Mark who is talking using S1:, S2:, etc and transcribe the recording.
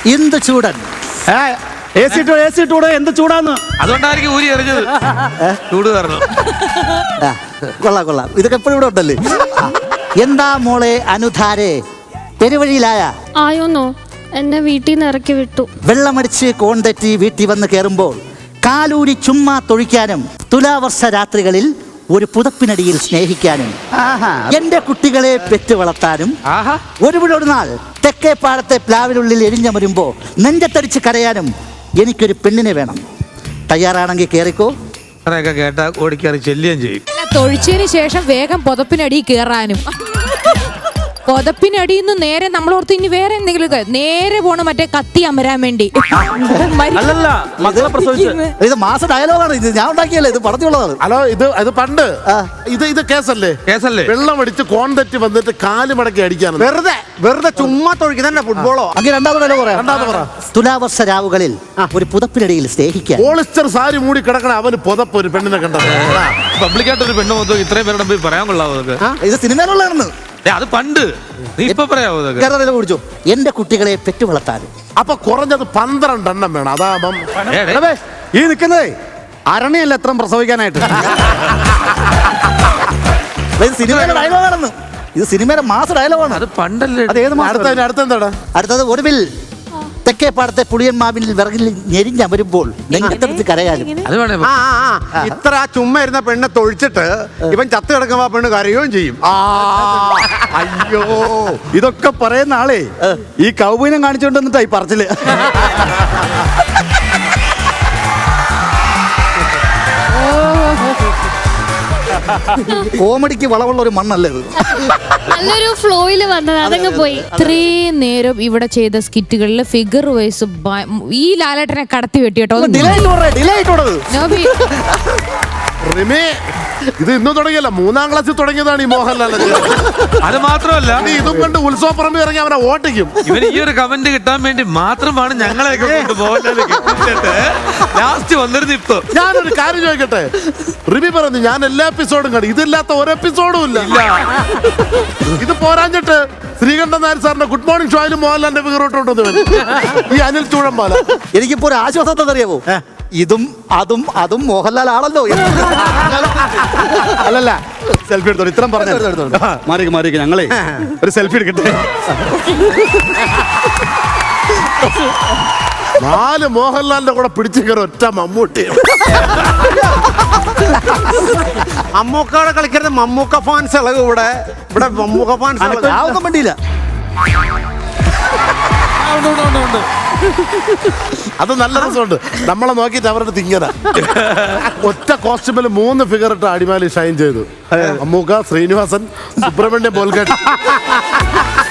S1: എന്ത് ചൂടൻ.
S2: എന്ത് ചൂടാന്ന്.
S3: അതുകൊണ്ടായിരിക്കും ഊരി എറിഞ്ഞത്. ചൂട് കാരണം.
S1: കൊള്ളാം. ഇതൊക്കെ എപ്പോഴും ഇവിടെ ഉണ്ടല്ലേ. എന്താ മോളെ അനുധാരെ, പെരുവഴിയിലായ?
S4: ആയോന്നോ, എന്നെ വീട്ടിൽ നിന്ന് ഇറക്കി വിട്ടു.
S1: വെള്ളമടിച്ച് കോണ്ടെറ്റി വീട്ടിൽ വന്ന് കയറുമ്പോൾ കാലൂരി ചുമ്മാ തൊഴിക്കാനും തുലാവർഷ രാത്രികളിൽ ഒരു പുതപ്പിനടിയിൽ സ്നേഹിക്കാനും എന്റെ കുട്ടികളെ പെറ്റു വളർത്താനും ഒരു നാൾ തെക്കേ പാടത്തെ പ്ലാവിനുള്ളിൽ എരിഞ്ഞമരുമ്പോ നെഞ്ചത്തടിച്ച് കരയാനും എനിക്കൊരു പെണ്ണിനെ വേണം. തയ്യാറാണെങ്കിൽ കേറിക്കോ.
S3: കേട്ടാ ഓടിക്കറി ചെല്ലുകയും ചെയ്യും.
S5: തൊഴിച്ചതിന് ശേഷം വേഗം പുതപ്പിനടി കയറാനും. പുതപ്പിനടിയിൽ നിന്ന് നേരെ നമ്മളോർത്ത് ഇനി വേറെ എന്തെങ്കിലും നേരെ പോണ മറ്റേ കത്തി അമരാൻ വേണ്ടി.
S2: അല്ലല്ല, മക്കളെ പ്രസവിച്ച്.
S1: ഇത് മാസ ഡയലോഗാണ്. ഇത് ഞാൻ ഉണ്ടാക്കിയല്ലേ, ഇത് പടത്തിലുള്ളതാണ്.
S6: ഹലോ, ഇത് പണ്ട് ഇത് കേസല്ലേ? വെള്ളം അടിച്ച് കോൺതെറ്റി വന്നിട്ട് കാല് മടക്കി അടിക്കാണ്.
S2: വെറുതെ ചുമ്മാ തൊഴിക്കുന്ന ഫുട്ബോളോ.
S1: അങ്ങനെ രണ്ടാമത് പറ. തുലാവർഷ രാവുകളിൽ ഒരു പുതപ്പിനടിയിൽ സ്നേഹിക്കാൻ.
S6: പോളിസ്റ്റർ സാരി മൂടി കിടക്കണ അവന് പുതപ്പ് ഒരു പെണ്ണിനെ കണ്ടത്.
S3: പബ്ലിക്കായിട്ടൊരു പെണ്ണ് മൊത്തം ഇത്രയും പേരുടെ പോയി പറയാൻ കൊള്ളാവോ?
S1: ഇത് സിനിമയിലുള്ളതാണ്.
S3: അത് പണ്ട്. നീ ഇപ്പൊ പറയാവോ?
S1: കുടിച്ചോ. എന്റെ കുട്ടികളെ പെറ്റു വളർത്താനും.
S6: അപ്പൊ കുറഞ്ഞത് 12 എണ്ണം വേണം. അതാകുമ്പം
S2: ഈ നിൽക്കുന്നതേ അരണയല്ല എത്ര പ്രസവിക്കാനായിട്ട്.
S1: ഇത് സിനിമയുടെ ഡയലോഗാണെന്ന്. ഇത് സിനിമയുടെ മാസ ഡയലോഗാണ്.
S3: അത് പണ്ടല്ലേ.
S1: അടുത്തത് ഒടുവിൽ തെക്കേ പാടത്തെ പുളിയന്മാവിൽ വിറകിൽ ഞെരിഞ്ഞമരുമ്പോൾ നെഞ്ചത്തെടുത്ത് കരയാനും.
S2: ഇത്ര ചുമ്മാ ഇരുന്ന പെണ്ണെ തൊഴിച്ചിട്ട് ഇവൻ ചത്ത് കിടക്കുമ്പോ ആ പെണ്ണ് കരയുകയും ചെയ്യും. അയ്യോ, ഇതൊക്കെ പറയുന്ന ആളെ ഈ കൗബീനം കാണിച്ചോണ്ടിട്ടാ ഈ പറച്ചില്.
S1: കോമഡിക്ക് വളവുള്ള ഒരു മണ്ണല്ലേ ഇത്.
S4: നല്ലൊരു ഫ്ലോയില് വന്നത് അതങ്ങ് പോയി.
S5: ഇത്രയും നേരം ഇവിടെ ചെയ്ത സ്കിറ്റുകളിൽ ഫിഗർ വൈസ് ഈ ലാലേട്ടനെ കടത്തി വെട്ടിട്ടോ.
S6: ഇത് ഇന്ന് തുടങ്ങിയല്ല, 3ാം ക്ലാസ്സിൽ തുടങ്ങിയതാണ് ഈ മോഹൻലാൽ.
S3: അത് മാത്രമല്ല,
S6: ഇതും കണ്ട് ഉത്സവപ്പറമ്പ് ഇറങ്ങി അവനെ ഓട്ടിക്കും.
S3: ഇവന് ഈ ഒരു കമന്റ് കിട്ടാൻ വേണ്ടി മാത്രമാണ് ഞങ്ങളെയൊക്കെ ലാസ്റ്റ് വന്നിരുന്നു. ഇപ്പൊ
S6: ഞാനൊരു കാര്യം ചോദിക്കട്ടെ, റിവി പറഞ്ഞു ഞാൻ എല്ലാ എപ്പിസോഡും കണ്ടു, ഇതില്ലാത്ത ഒരു എപ്പിസോഡും ഇല്ല. ഇത് പോരാഞ്ഞിട്ട് ശ്രീകണ്ഠൻ നായർ സാറിന്റെ ഗുഡ് മോർണിംഗ് ഷോയിലും മോഹൻലാലിന്റെ ഫിഗറോട്ടുണ്ടോ ഈ അനിൽ ചൂഴമ്പാല.
S1: എനിക്കിപ്പോ ഒരു ആശ്വാസം അറിയാമോ? ഇതും അതും മോഹൻലാൽ ആണല്ലോ.
S2: അല്ലല്ല, സെൽഫി എടുത്തോ. ഇത്രയും പറഞ്ഞു മാറിക്ക് ഞങ്ങളെ ഒരു സെൽഫി എടുക്കട്ടെ.
S6: 4 മോഹൻലാലിന്റെ കൂടെ പിടിച്ചു കയറി ഒറ്റ മമ്മൂട്ടി.
S2: മമ്മൂക്കോടെ കളിക്കരുത്. മമ്മൂക്ക ഫാൻസ് ഇളകും ഇവിടെ. മമ്മൂക്ക ഫാൻസ്
S1: ആവുന്ന വണ്ടിയില്ല.
S6: അത് നല്ല രസമുണ്ട്. നമ്മളെ നോക്കിയിട്ട് അവരുടെ തിങ്ങന ഒറ്റ കോസ്റ്റ്യൂമിൽ 3 ഫിഗർ ഇട്ട് അടിമാലി ഷൈൻ ചെയ്തു. മമ്മൂക്ക, ശ്രീനിവാസൻ, സുബ്രഹ്മണ്യം, ബോൽഗട്ട്.